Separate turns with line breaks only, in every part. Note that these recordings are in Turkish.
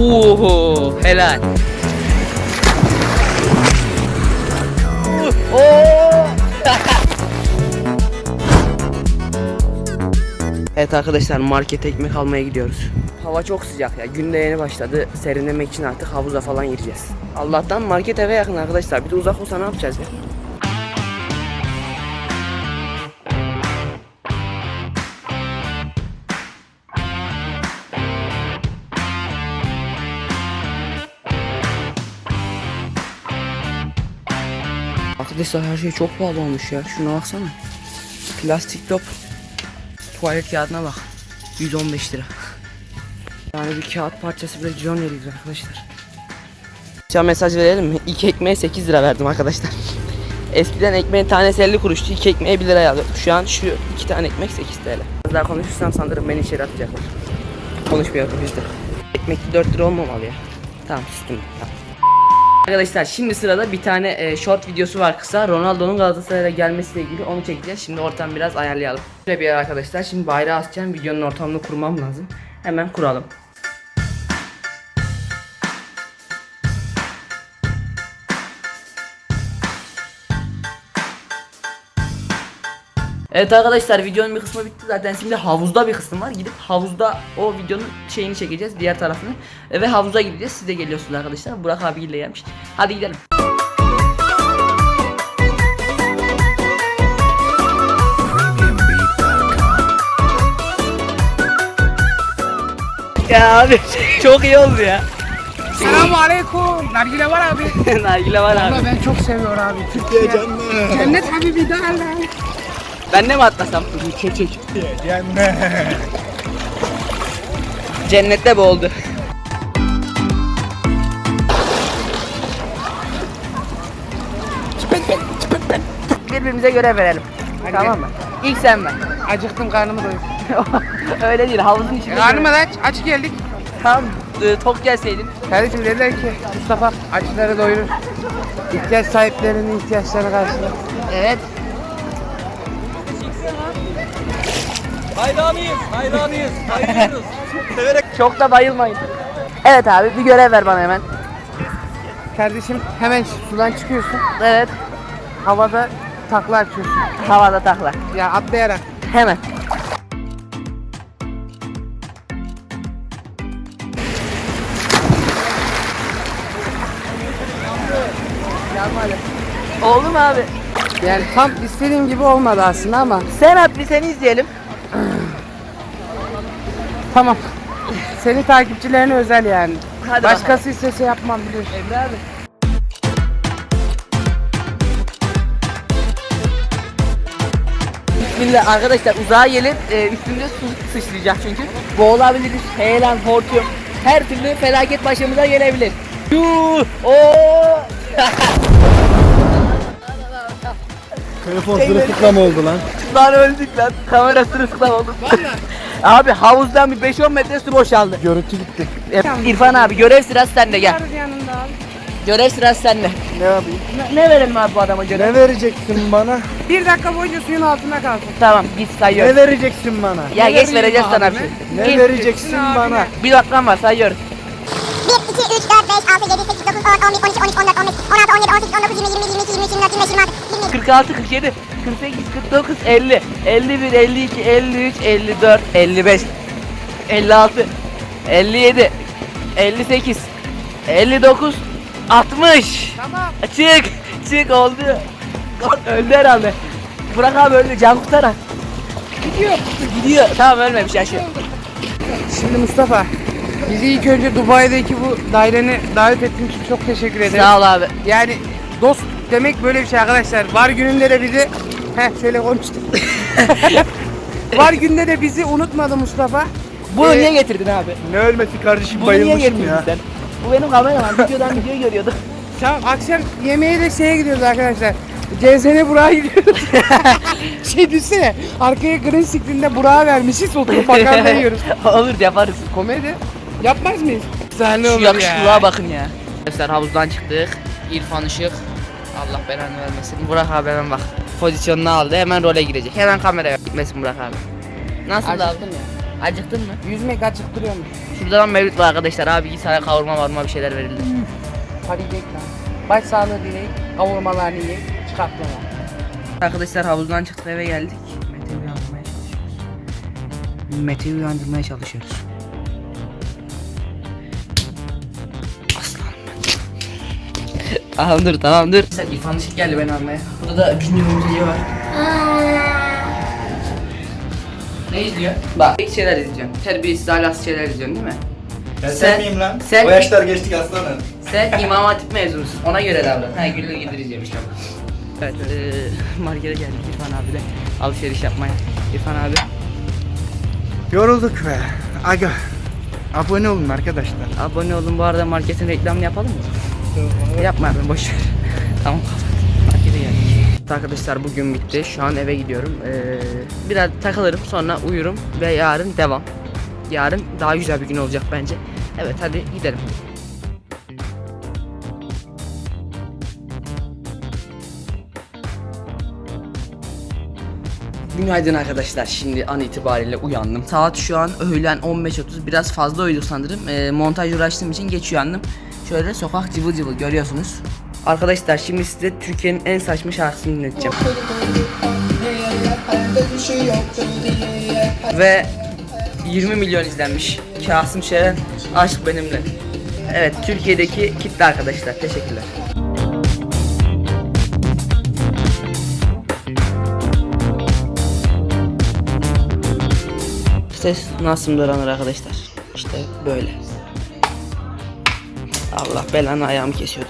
Oo, helal. Oo. Evet arkadaşlar, markete ekmek almaya gidiyoruz. Hava çok sıcak ya. Gün de yeni başladı. Serinlemek için artık havuza falan gireceğiz. Allah'tan market eve yakın arkadaşlar. Bir de uzak olsa ne yapacağız ya? Arkadaşlar her şey çok pahalı olmuş ya. Şuna baksana. Plastik top. Tuvalet kağıdına bak. 115 lira. Yani bir kağıt parçası bile 110 lira arkadaşlar. Şu an mesaj verelim mi? İki ekmeğe 8 lira verdim arkadaşlar. Eskiden ekmeğin tanesi 50 kuruştu. 2 ekmeğe 1 liraya alıyordum. Şu an şu 2 tane ekmek 8 TL. Biraz daha konuşursam sanırım beni içeri atacaklar. Konuşmuyorum bizde. Ekmek 4 lira olmamalı ya. Tamam sustum. Tamam. Arkadaşlar şimdi sırada bir tane short videosu var kısa. Ronaldo'nun Galatasaray'a gelmesiyle ilgili, onu çekeceğiz. Şimdi ortamı biraz ayarlayalım. Şöyle bir yer arkadaşlar. Şimdi bayrağı asacağım. Videonun ortamını kurmam lazım. Hemen kuralım. Evet arkadaşlar, videonun bir kısmı bitti zaten. Şimdi havuzda bir kısım var. Gidip havuzda o videonun şeyini çekeceğiz, diğer tarafını. Ve havuza gideceğiz. Siz de geliyorsunuz arkadaşlar. Burak abiyle gelmiş. Hadi gidelim. Ya abi çok iyi oldu ya.
Selamünaleyküm. Nargile var abi.
Nargile var abi.
Ama ben çok seviyorum abi. Türkiye cennet. Cennet habibi derler.
Ben de mi atlasam?
Çek. Cennet.
Cennette boğuldu. Birbirimize görev verelim.
Hadi
Tamam mı? İlk sen ver.
Acıktım, karnımı doyur.
Öyle değil, havuzun içinde.
Karnıma da aç geldik.
Tam tok gelseydin.
Kardeşim dediler ki Mustafa açları doyurur. İhtiyaç sahiplerinin ihtiyaçlarını karşılar.
Evet.
Hayranıyız, bayılıyoruz. Severek.
Çok da bayılmayın. Evet abi, bir görev ver bana hemen.
Kardeşim hemen sudan çıkıyorsun.
Evet.
Havada takla açıyorsun.
Havada takla.
Ya atlayarak.
Hemen. Oldu mu abi?
Yani tam istediğim gibi olmadı aslında ama
Sen at, bir seni izleyelim.
tamam. Senin takipçilerine özel yani.
Hadi
Başkası istese yapmam biliyorsun.
Emre abi. Bismillah arkadaşlar, uzağa gelip üstünde su sıçrayacak çünkü. Boğulabiliriz, heyelan, hortum. Her türlü felaket başımıza gelebilir. Yuuu! Ooo!
Telefon sırılsıklam oldu lan.
Lan öldük lan. Kamera sırılsıklam oldu. Abi havuzdan bir 5-10 metre su boşaldı.
Görüntü gitti.
İrfan abi, görev sırası sende, gel.
Varız yanında abi.
Görev sırası sende.
Ne yapayım?
Ne verelim abi bu adama görev?
Ne vereceksin bana?
1 dakika boyunca suyun altında kalsın.
Tamam, git sayıyoruz.
Ne vereceksin bana?
Ya
Ne
geç,
vereyim
vereceğiz sana
abi
bir şey.
Ne
Git.
vereceksin bana?
Bir dakikan var, sayıyoruz.
1, 2, 3, 4, 5, 6, 7, 8, 9, 10, 11, 12, 13, 14, 15, 16, 17, 18, 19, 20, 21, 22, 23, 24, 25, 26, 27.
46, 47, 48, 49, 50, 51, 52, 53, 54, 55, 56, 57, 58, 59, 60.
Tamam.
Çık oldu. Öldü herhalde. Burak abi öldü, can kurtaran. Gidiyor. Tamam, ölmemiş, yaşıyor.
Şimdi Mustafa, bizi ilk önce Dubai'deki bu dairene davet ettiğin için çok teşekkür ederim.
Sağ ol abi.
Yani dost demek böyle bir şey arkadaşlar. Var gününde de bizi şöyle konuştuk. Var günde de bizi unutmadı Mustafa.
Bunu niye getirdin abi?
Ne ölmesi kardeşim,
Bunu niye
bayılmışım
getirdin
ya.
sen? Bu benim kameraman, videodan video görüyordu.
Tamam, akşam yemeğe de şeye gidiyoruz arkadaşlar. CZN Burak'a gidiyoruz. Düşsene, arkaya green screen'de Burak'a vermişiz, oturup makarna yiyoruz.
Olur, yaparız.
Komedi yapmaz mıyız? Güzel
Şu
olur
yakışıklığa
ya.
bakın ya. Arkadaşlar havuzdan çıktık. İrfan Işık. Allah belanı vermesin. Burak abi hemen bak. Pozisyonunu aldı. Hemen role girecek. Hemen kameraya gitmesin Burak abi. Nasıl
Acıktım
abi?
ya.
Acıktın mı?
Yüzmek acıktırıyormuş.
Şurada lan mevlüt var arkadaşlar. Abi git sana kavurma varma bir şeyler verildi.
Hadi gidelim lan. Baş sağlığı dileyin. Kavurmalarını yiyin. Çıkartmalar.
Arkadaşlar havuzdan çıktık eve geldik. Mete'yi uyandırmaya çalışıyoruz. Aslanım ben. Tamam dur. Sen İrfan Işık geldi beni almaya. Burada da Gündüz Mümteci var. Ne izliyor? Bak ilk şeyler izleyeceğim. Terbiyesiz ahlaksız şeyler izliyorsun değil mi?
Ben
Sen-
sen miyim lan?
sen-
O yaşlar geçtik aslanım.
Sen İmam Hatip mezunusun. Ona göre davran. Ha güllü gideceğim işte. Evet, markete geldik İrfan abiyle alışveriş yapmaya. İrfan abi.
Yorulduk be. Aga. Abone olun arkadaşlar.
Abone olun, bu arada marketin reklamını yapalım mı? Yapma ben boş ver. Tamam kapat. Markete geldik. Arkadaşlar bugün bitti. Şu an eve gidiyorum. Biraz takılırım, sonra uyurum ve yarın devam. Yarın daha güzel bir gün olacak bence. Evet hadi gidelim. Günaydın arkadaşlar. Şimdi an itibariyle uyandım. Saat şu an öğlen 15.30. Biraz fazla uyuduk sanırım. Montaj uğraştığım için geç uyandım. Şöyle sokak cıvıl cıvıl görüyorsunuz. Arkadaşlar şimdi size Türkiye'nin en saçma şarkısını dinleteceğim. Ve 20 milyon izlenmiş. Kasım Şeren Aşk Benimle. Evet, Türkiye'deki kitle arkadaşlar. Teşekkürler. Ses nasıl öğrenir arkadaşlar? İşte böyle. Allah belanı ayağımı kesiyordu.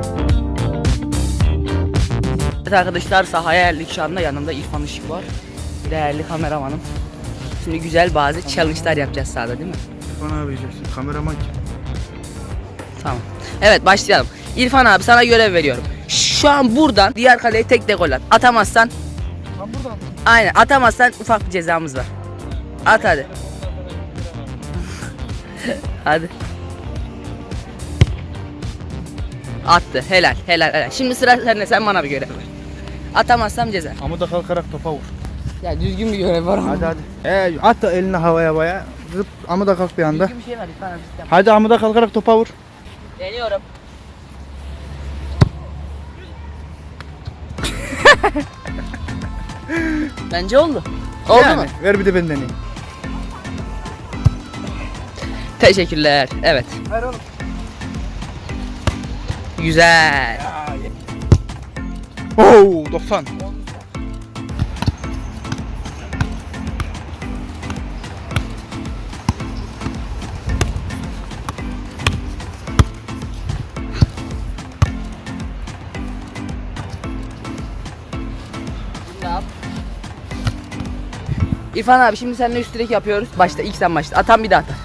Evet arkadaşlar, sahaya geldik şu anda. Yanımda İrfan Işık var. Değerli kameramanım. Şimdi güzel bazı challenge'lar yapacağız sahada değil mi?
İrfan abi diyeceksin. Kameraman kim?
Tamam. Evet başlayalım. İrfan abi sana görev veriyorum. Şu an buradan diğer kaleye tek gol at. Atamazsan.
Tam buradan.
Aynen, atamazsan ufak bir cezamız var. At hadi. Hadi. Attı. Helal. Şimdi sıra sende, sen bana bir görev ver. Atamazsam ceza.
Amuda kalkarak topa vur.
Ya düzgün bir görev var ama.
Hadi. At da elini havaya baya. Zıp amuda kalk bir anda.
Düzgün bir şey var İrfan abi. Sistem.
Hadi amuda kalkarak topa vur.
Deniyorum. Bence oldu. Oldu
Yani,
mu?
ver bir de ben deneyeyim.
Teşekkürler. Evet.
Ver oğlum.
Güzel.
Oo 90.
Ne yap? İrfan abi şimdi seninle üst direk yapıyoruz. Başta ilk sen başla. Atan bir daha atar.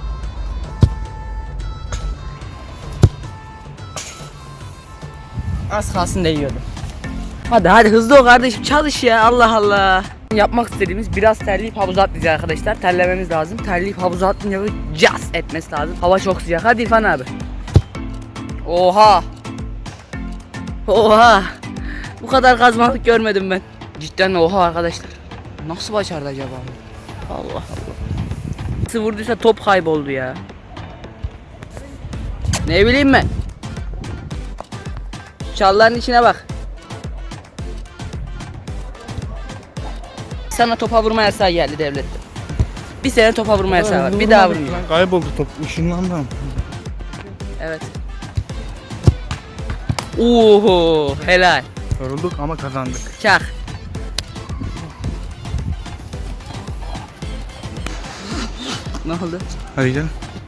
Az kalsın değiyordu. Hadi hızlı ol kardeşim, çalış ya, Allah Allah. Yapmak istediğimiz biraz terleyip havuza atlayacağız arkadaşlar. Terlememiz lazım. Terleyip havuza atlayınca böyle cas etmesi lazım. Hava çok sıcak. Hadi İrfan abi. Oha. Bu kadar kazmalık görmedim ben. Cidden oha arkadaşlar. Nasıl başardı acaba? Allah Allah. Nasıl vurduysa top kayboldu ya. Ne bileyim ben. Çalların içine bak. Sana topa vurma yasağı geldi devlette. Bir sene topa vurma yasağı var. Bir daha vurmuyor.
Kayboldu top. Işınlandı.
Evet. Oho, helal.
Yorulduk ama kazandık.
Çak. Ne oldu?
Hadi gel.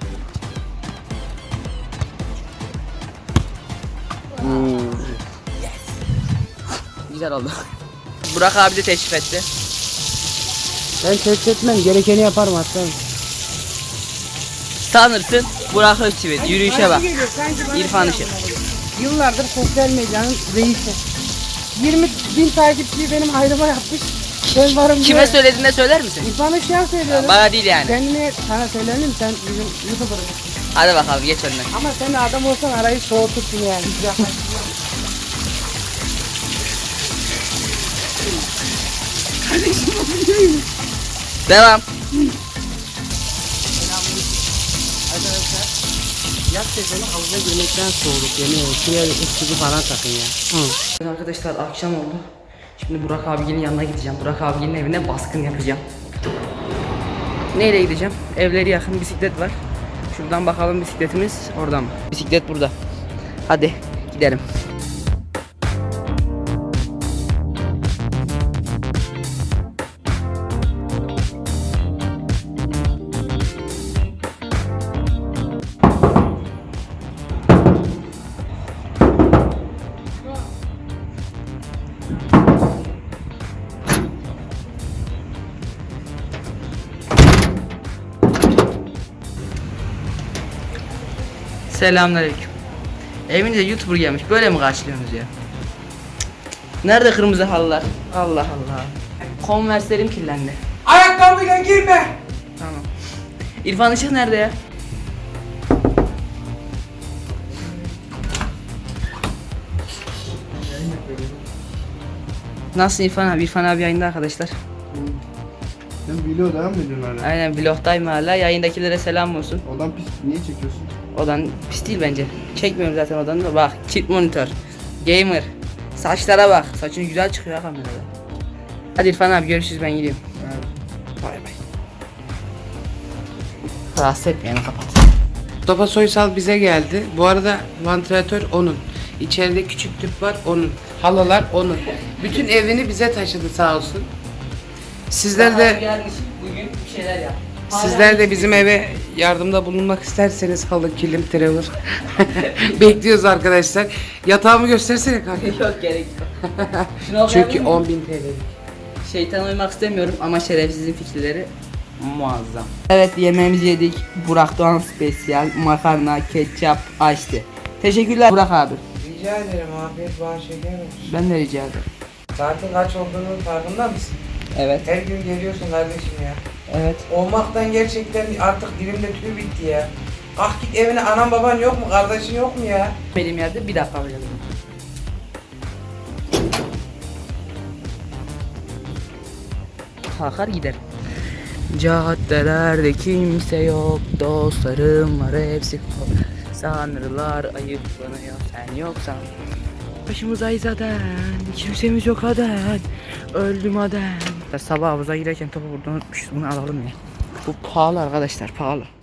Güzel oldu. Burak abi de teşrif etti.
Ben test etmem. Gerekeni yaparım hatta.
Tanırsın Burak Özçivit. Yürüyüşe bak.
Geliyor, sanki bana
İrfan
şey
Işık.
yapmalı. Yıllardır sosyal medyanın reisi. 20.000 takipçiyi benim ayrıma yapmış. Ben varım
Kime
diye.
söylediğinde söyler misin?
İrfan Işık'a söylüyorum.
Bana değil yani.
Kendine sana söylerim, sen bizim YouTuber'ın.
Hadi bakalım geç önüne.
Ama sen de adam olsan arayı soğutursun yani.
Devam. Yat sezonu havuza girmekten soğuduk yemeğe. Şuraya bir ısıtıcı falan takın ya. Hı. Arkadaşlar akşam oldu. Şimdi Burak abinin yanına gideceğim. Burak abinin evine baskın yapacağım. Neyle gideceğim? Evleri yakın bisiklet var. Şuradan bakalım bisikletimiz oradan mı? Bisiklet burada. Hadi gidelim. Selamünaleyküm. Evinize YouTuber gelmiş. Böyle mi karşılıyorsunuz ya? Nerede kırmızı halılar? Allah Allah. Converse'lerim kirlendi.
Ayakkabıyla girme.
Tamam. İrfan Işık nerede ya? Nasılsın İrfan abi? İrfan abi yayında arkadaşlar.
Sen video devam mı ediyorsun hala?
Aynen vlogdayım hala. Yayındakilere selam olsun.
Odan pis, niye çekiyorsun?
Odan pis değil bence. Çekmiyorum zaten odanı da. Bak kit monitör. Gamer. Saçlara bak. Saçın güzel çıkıyor ha kamerada. Hadi İrfan abi görüşürüz, ben gidiyorum. Bay bay. Rahatsız etmeyelim, kapat.
Mustafa Soysal bize geldi. Bu arada vantilatör onun. İçeride küçük tüp var onun. Halılar onun. Bütün evini bize taşıdı sağ olsun. Sizler de
gelmiş bugün bir şeyler yap.
sizler de bizim eve yardımda bulunmak isterseniz halı, kilim, travel bekliyoruz arkadaşlar. Yatağımı göstersene kanka.
Yok gerek yok. Şunu okuyabilir
Çünkü
miyim?
10.000 TL'lik.
Şeytan uymak istemiyorum ama şerefsizin fikirleri muazzam. Evet, yemeğimizi yedik. Burak Doğan spesiyal makarna, ketçap, açtı. Teşekkürler Burak abi.
Rica ederim afiyet bana şeker olsun.
Ben de rica ederim.
Saatin kaç olduğunu farkında mısın?
Evet.
Her gün geliyorsun kardeşim ya.
Evet.
Olmaktan gerçekten artık dilimde tüy bitti ya. Ah git evine, anan baban yok mu, kardeşin yok mu ya?
Benim yerde bir dakika böyle. Kalkar gider. Caddelerde kimse yok, dostlarım var hepsi. Sanırlar ayıplanıyor, sen yoksan. Başımıza izaden, kimsemiz yok aden. Öldüm aden. Sabah havuza girerken topu burada unutmuşuz, bunu alalım ya. Bu pahalı arkadaşlar, pahalı.